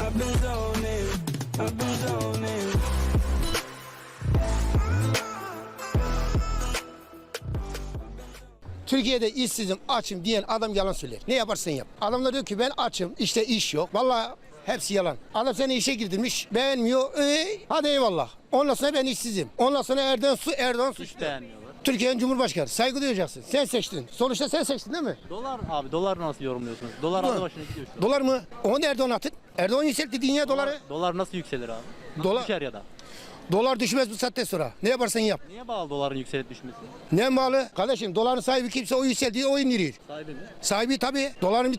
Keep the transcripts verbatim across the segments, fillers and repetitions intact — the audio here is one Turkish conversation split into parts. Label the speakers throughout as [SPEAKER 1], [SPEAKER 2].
[SPEAKER 1] Türkiye'de işsizim, açım diyen adam yalan söyler. Ne yaparsan yap. Adamlar diyor ki ben açım, işte iş yok. Vallahi hepsi yalan. Adam seni işe girdirmiş, beğenmiyor. Ee, hadi eyvallah. Ondan sonra ben işsizim. Ondan sonra Erdoğan su Erdoğan suçlu. Türkiye'nin Cumhurbaşkanı. Saygı duyacaksın. Sen seçtin. Sonuçta sen seçtin değil mi?
[SPEAKER 2] Dolar abi, dolar nasıl yorumluyorsunuz? Dolar aldı başına gidiyor şu an.
[SPEAKER 1] Dolar mı? Onu Erdoğan atın. Erdoğan yükseltti dünya
[SPEAKER 2] Dolar,
[SPEAKER 1] doları.
[SPEAKER 2] dolar nasıl yükselir abi? Nasıl
[SPEAKER 1] Dolar-
[SPEAKER 2] düşer ya da?
[SPEAKER 1] Dolar düşmez bu saatten sonra. Ne yaparsan yap.
[SPEAKER 2] Niye bağlı doların yükselip düşmesi?
[SPEAKER 1] Ne bağlı? Kardeşim doların sahibi kimse o yükseldiği o indirir.
[SPEAKER 2] Sahibi mi?
[SPEAKER 1] Sahibi tabii. Doların bir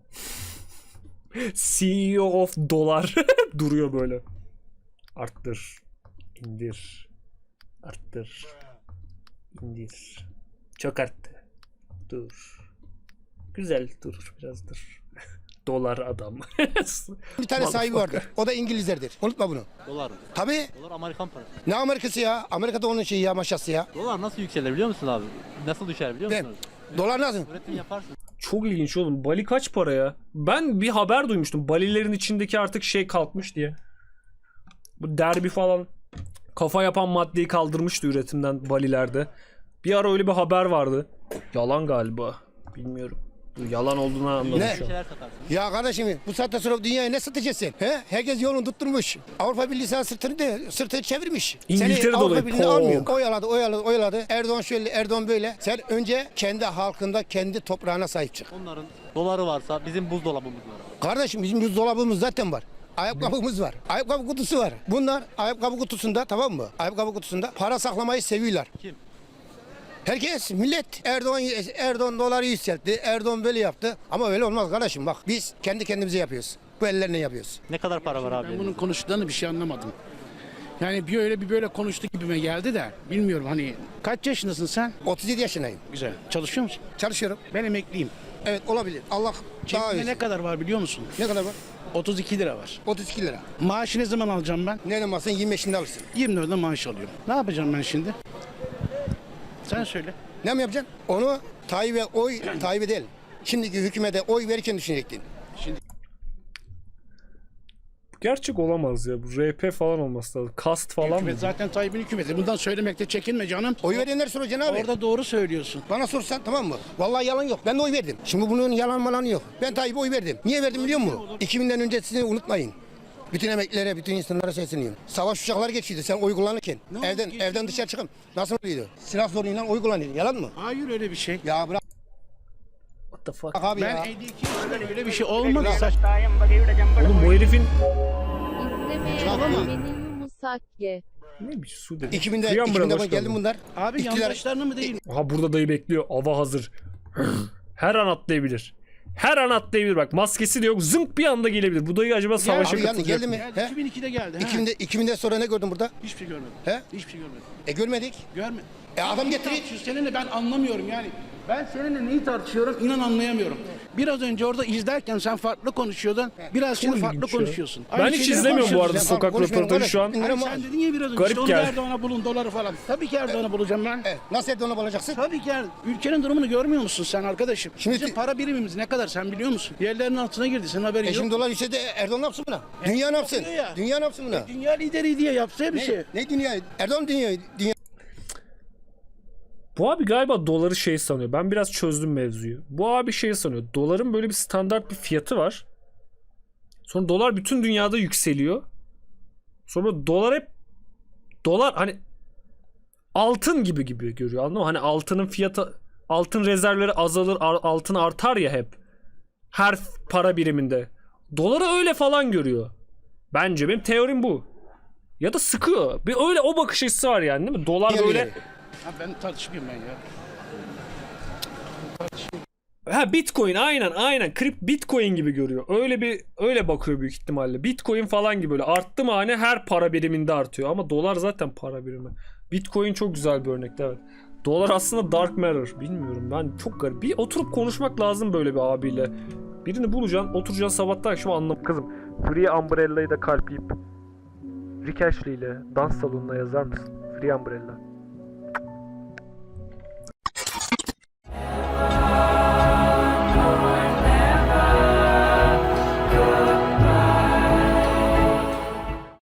[SPEAKER 3] C E O of dolar duruyor böyle. Arttır, indir, arttır, indir. Çok arttı. Dur. Güzel dur, biraz dur. Dolar adam.
[SPEAKER 1] bir tane sahibi vardır. O da İngilizlerdir. Unutma bunu.
[SPEAKER 2] Dolar mı?
[SPEAKER 1] Tabii.
[SPEAKER 2] Dolar Amerikan parası.
[SPEAKER 1] Ne Amerikası ya? Amerika'da onun şeyi ya, maşası ya.
[SPEAKER 2] Dolar nasıl yükselir biliyor musun abi? Nasıl düşer biliyor
[SPEAKER 1] Ben,
[SPEAKER 2] musunuz?
[SPEAKER 1] dolar nasıl?
[SPEAKER 2] Üretim yaparsın.
[SPEAKER 3] Çok ilginç oğlum. Bali kaç para ya? Ben bir haber duymuştum. Balilerin içindeki artık şey kalkmış diye. Bu derbi falan kafa yapan maddeyi kaldırmıştı üretimden Balilerde. Bir ara öyle bir haber vardı. Yalan galiba. Bilmiyorum. Yalan olduğunu anladım
[SPEAKER 1] Ne?
[SPEAKER 3] şu an.
[SPEAKER 2] Şeyler satarsın.
[SPEAKER 1] Ya kardeşim bu saatten sonra dünyaya ne satacaksın? He? Herkes yolunu tutturmuş. Avrupa Birliği sana sırtını, de, sırtını çevirmiş.
[SPEAKER 3] İngiltere
[SPEAKER 1] Seni
[SPEAKER 3] dolayı,
[SPEAKER 1] Avrupa Birliği'ne
[SPEAKER 3] pok.
[SPEAKER 1] almıyor. Oyaladı, oyaladı, oyaladı. Erdoğan şöyle, Erdoğan böyle. Sen önce kendi halkında, kendi toprağına sahip çık.
[SPEAKER 2] Onların doları varsa bizim buzdolabımız var.
[SPEAKER 1] Kardeşim bizim buzdolabımız zaten var. Ayakkabımız var. Ayakkabı kutusu var. Bunlar ayakkabı kutusunda, tamam mı? Ayakkabı kutusunda para saklamayı seviyorlar.
[SPEAKER 2] Kim?
[SPEAKER 1] Herkes, millet Erdoğan Erdoğan doları yükseltti. Erdoğan böyle yaptı. Ama öyle olmaz kardeşim bak. Biz kendi kendimize yapıyoruz. Bu ellerle yapıyoruz.
[SPEAKER 2] Ne kadar para var abi?
[SPEAKER 4] Ben bunun konuştuklarını bir şey anlamadım. Yani bir öyle bir böyle konuştu gibime geldi de bilmiyorum hani kaç yaşındasın sen?
[SPEAKER 1] otuz yedi yaşındayım.
[SPEAKER 4] Güzel. Çalışıyor musun?
[SPEAKER 1] Çalışıyorum.
[SPEAKER 4] Ben emekliyim.
[SPEAKER 1] Evet olabilir. Allah daha
[SPEAKER 4] Cebimde
[SPEAKER 1] iyi.
[SPEAKER 4] ne kadar var biliyor musun?
[SPEAKER 1] Ne kadar var?
[SPEAKER 4] otuz iki lira var.
[SPEAKER 1] otuz iki lira.
[SPEAKER 4] Maaşı ne zaman alacağım ben?
[SPEAKER 1] Ne zamansa yirmi beşinde alırsın.
[SPEAKER 4] yirmi dörtte maaş alıyorum. Ne yapacağım ben şimdi? Sen söyle.
[SPEAKER 1] Ne mi yapacaksın? Onu Tayyip'e oy, Tayyip'e değil. Şimdiki hükümete oy verirken düşünecektin.
[SPEAKER 3] Gerçek olamaz ya. Bu R P falan olması lazım. Kast falan mı?
[SPEAKER 4] Hükümet zaten Tayyip'in hükümeti. Bundan söylemekte çekinme canım.
[SPEAKER 1] Oy verenler soracaksın abi.
[SPEAKER 4] Orada doğru söylüyorsun.
[SPEAKER 1] Bana sorsan tamam mı? Vallahi yalan yok. Ben de oy verdim. Şimdi bunun yalan malanı yok. Ben Tayyip'e oy verdim. Niye verdim biliyor musun? iki binden öncesini unutmayın. Bütün emeklilere, bütün insanlara sesleniyorum. Savaş uçakları geçiyordu sen oy kullanırken.
[SPEAKER 4] Ne
[SPEAKER 1] evden
[SPEAKER 4] oldu,
[SPEAKER 1] evden dışarı çıkın. Nasıl oluyordu? Silah zoruyla oy kullanıyordu. Yalan mı?
[SPEAKER 4] Hayır öyle bir şey.
[SPEAKER 1] Ya bırak
[SPEAKER 3] What the fuck?
[SPEAKER 1] abi
[SPEAKER 4] Ben
[SPEAKER 1] ya.
[SPEAKER 4] elli iki yaşında öyle bir şey olmadı. Saç...
[SPEAKER 3] Oğlum bu herifin
[SPEAKER 5] İzlemeyen benim Musakke.
[SPEAKER 3] ne bir su dedi.
[SPEAKER 1] iki binde,
[SPEAKER 3] Free
[SPEAKER 1] iki
[SPEAKER 3] Umbrella
[SPEAKER 1] binde
[SPEAKER 3] hoş
[SPEAKER 1] geldi
[SPEAKER 3] geldin.
[SPEAKER 1] bunlar.
[SPEAKER 4] Abi
[SPEAKER 1] İktidar-
[SPEAKER 4] yandaşlarını mı değil?
[SPEAKER 3] Aha burada dayı bekliyor. Ava hazır. Her an atlayabilir. Her an atlayabilir bak. Maskesi de yok. Zınk bir anda gelebilir. Bu dayı acaba savaşa
[SPEAKER 1] Abi yani
[SPEAKER 3] katılacak
[SPEAKER 1] geldi
[SPEAKER 3] mı?
[SPEAKER 1] mi?
[SPEAKER 4] Geldi,
[SPEAKER 1] He?
[SPEAKER 4] iki bin ikide geldi. ha.
[SPEAKER 1] iki binde, iki binde sonra ne gördün burada?
[SPEAKER 4] Hiçbir şey görmedim.
[SPEAKER 1] He?
[SPEAKER 4] Hiçbir şey görmedim.
[SPEAKER 1] E görmedik.
[SPEAKER 4] Görmedim.
[SPEAKER 1] E adam getiriyor.
[SPEAKER 4] Tartışıyoruz. Seninle ben anlamıyorum yani. Ben seninle neyi tartışıyorum inan anlayamıyorum. Biraz önce orada izlerken sen farklı konuşuyordun. Biraz şimdi farklı
[SPEAKER 3] ilginç ya.
[SPEAKER 4] konuşuyorsun.
[SPEAKER 3] Ben
[SPEAKER 4] Aynı
[SPEAKER 3] hiç
[SPEAKER 4] şeyleri
[SPEAKER 3] izlemiyorum bu arada
[SPEAKER 4] konuşuyoruz.
[SPEAKER 1] Sen
[SPEAKER 3] sokak
[SPEAKER 1] konuşmuyorum
[SPEAKER 3] röportajı şu an.
[SPEAKER 1] kardeşim.
[SPEAKER 4] Hani
[SPEAKER 1] İnanamam.
[SPEAKER 4] sen dedin ya biraz önce
[SPEAKER 3] Garip
[SPEAKER 4] işte onu
[SPEAKER 3] geldi.
[SPEAKER 4] Erdoğan'a bulun doları falan. Tabii ki Erdoğan'a bulacağım ben.
[SPEAKER 1] E, nasıl Erdoğan'a bulacaksın?
[SPEAKER 4] Tabii ki Er- ülkenin durumunu görmüyor musun sen arkadaşım?
[SPEAKER 1] Şimdi-
[SPEAKER 4] Bizim para birimimiz ne kadar sen biliyor musun? Yerlerin altına girdi senin haberin
[SPEAKER 1] E
[SPEAKER 4] yok.
[SPEAKER 1] şimdi dolar yükseldi. Erdoğan ne yapsın buna? Dünya ne yapsın?
[SPEAKER 4] yapıyor ya.
[SPEAKER 1] Dünya ne yapsın buna?
[SPEAKER 4] Dünya lideri diye yapsa bir şey.
[SPEAKER 1] Ne, ne dünya? Erdoğan dünya, dünya.
[SPEAKER 3] Bu abi galiba doları şey sanıyor. Ben biraz çözdüm mevzuyu. Bu abi şey sanıyor. Doların böyle bir standart bir fiyatı var. Sonra dolar bütün dünyada yükseliyor. Sonra dolar hep dolar hani altın gibi gibi görüyor. Anladın mı? Hani altının fiyatı altın rezervleri azalır, ar- altın artar ya hep. Her para biriminde. Doları öyle falan görüyor. Bence benim teorim bu. Ya da sıkıyor. Bir öyle o bakış açısı var yani değil mi? Dolar
[SPEAKER 1] dünya
[SPEAKER 3] böyle
[SPEAKER 1] lideri.
[SPEAKER 4] Ha, ben tartışmayayım ben ya.
[SPEAKER 3] Ha Bitcoin aynen aynen Krip Bitcoin gibi görüyor. Öyle bir öyle bakıyor büyük ihtimalle. Bitcoin falan gibi böyle arttı mı hani her para biriminde artıyor ama dolar zaten para birimi. Bitcoin çok güzel bir örnekti evet. Dolar aslında dark matter. Bilmiyorum ben çok garip. Bir oturup konuşmak lazım böyle bir abiyle. Birini bulacaksın, oturacaksın sabahtan akşama anlam. Kızım, Free Umbrella'yı da kalpleyip Rick Ashley ile dans salonuna yazar mısın? Free Umbrella.